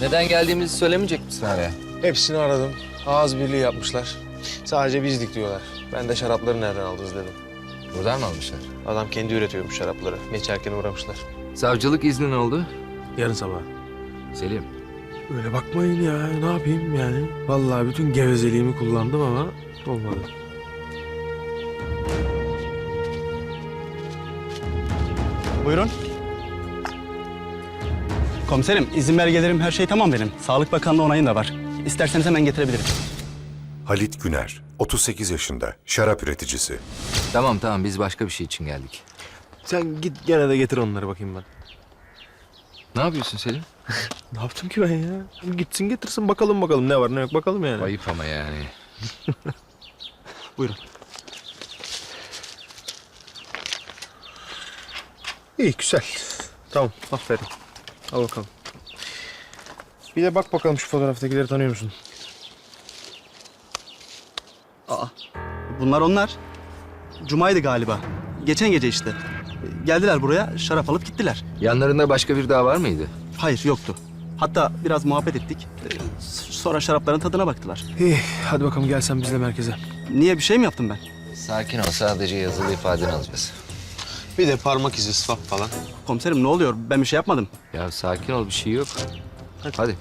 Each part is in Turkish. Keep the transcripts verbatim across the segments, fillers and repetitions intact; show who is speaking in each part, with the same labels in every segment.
Speaker 1: Neden geldiğimizi söylemeyecek misin araya?
Speaker 2: Hepsini aradım. Ağız birliği yapmışlar. Sadece bizdik diyorlar. Ben de şarapları nereden aldınız dedim.
Speaker 1: Buradan mı almışlar?
Speaker 2: Adam kendi üretiyormuş şarapları. Geçerken uğramışlar.
Speaker 1: Savcılık izni ne oldu?
Speaker 2: Yarın sabah.
Speaker 1: Selim.
Speaker 2: Öyle bakmayın ya. Ne yapayım yani? Vallahi bütün gevezeliğimi kullandım ama olmadı.
Speaker 3: Buyurun. Komiserim, izin belgelerim, her şey tamam benim. Sağlık Bakanlığı onayım da var. İsterseniz hemen getirebilirim.
Speaker 4: Halit Güner, otuz sekiz yaşında, şarap üreticisi.
Speaker 1: Tamam tamam biz başka bir şey için geldik.
Speaker 2: Sen git gene de getir onları bakayım ben.
Speaker 1: Ne yapıyorsun Selim?
Speaker 2: Ne yaptım ki ben ya? Gitsin getirsin bakalım bakalım ne var ne yok bakalım yani.
Speaker 1: Ayıp ama yani.
Speaker 2: Buyurun. İyi güzel. Tamam aferin. Al bakalım. Bir de bak bakalım şu fotoğraftakileri tanıyor musun?
Speaker 3: Aa, bunlar onlar. Cuma'ydı galiba. Geçen gece işte. Geldiler buraya, şarap alıp gittiler.
Speaker 1: Yanlarında başka bir daha var mıydı?
Speaker 3: Hayır, yoktu. Hatta biraz muhabbet ettik. Ee, Sonra şarapların tadına baktılar.
Speaker 2: İyi hadi bakalım gel sen bizle merkeze.
Speaker 3: Niye, bir şey mi yaptım ben?
Speaker 1: Sakin ol sadece yazılı ifadeni alacağız.
Speaker 2: Bir de parmak izi swap falan.
Speaker 3: Komiserim ne oluyor? Ben bir şey yapmadım.
Speaker 1: Ya sakin ol bir şey yok. Hadi. Hadi.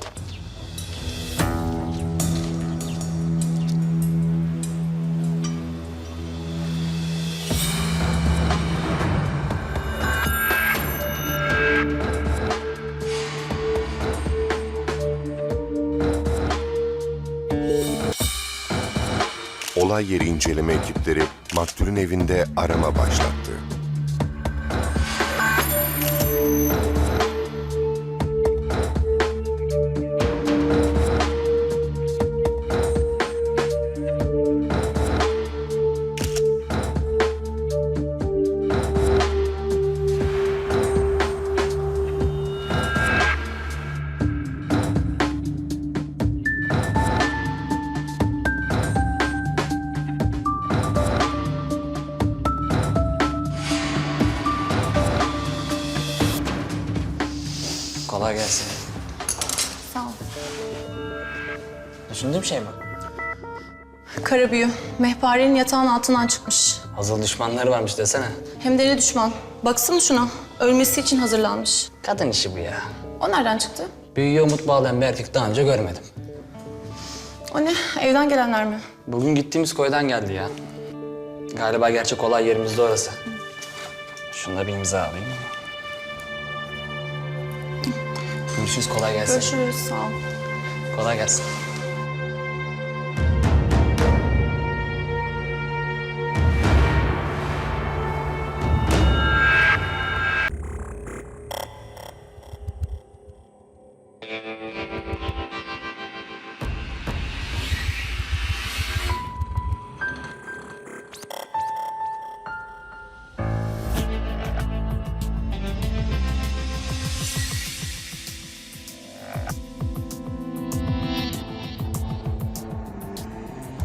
Speaker 4: Olay yeri inceleme ekipleri maktulün evinde arama başlattı.
Speaker 5: Kolay gelsin.
Speaker 6: Sağ ol.
Speaker 5: Düşündüğüm şey mi?
Speaker 6: Kara büyü. Mehparenin yatağın altından çıkmış.
Speaker 5: Hazır düşmanları varmış desene.
Speaker 6: Hem de ne düşman. Baksana şuna. Ölmesi için hazırlanmış.
Speaker 5: Kadın işi bu ya.
Speaker 6: O nereden çıktı?
Speaker 5: Büyüye umut bağlayan bir erkek daha önce görmedim.
Speaker 6: O ne? Evden gelenler mi?
Speaker 5: Bugün gittiğimiz koydan geldi ya. Galiba gerçek olay yerimiz de orası. Şunu da bir imza alayım. Görüşürüz, kolay gelsin.
Speaker 6: Görüşürüz. Sağ ol.
Speaker 5: Kolay gelsin.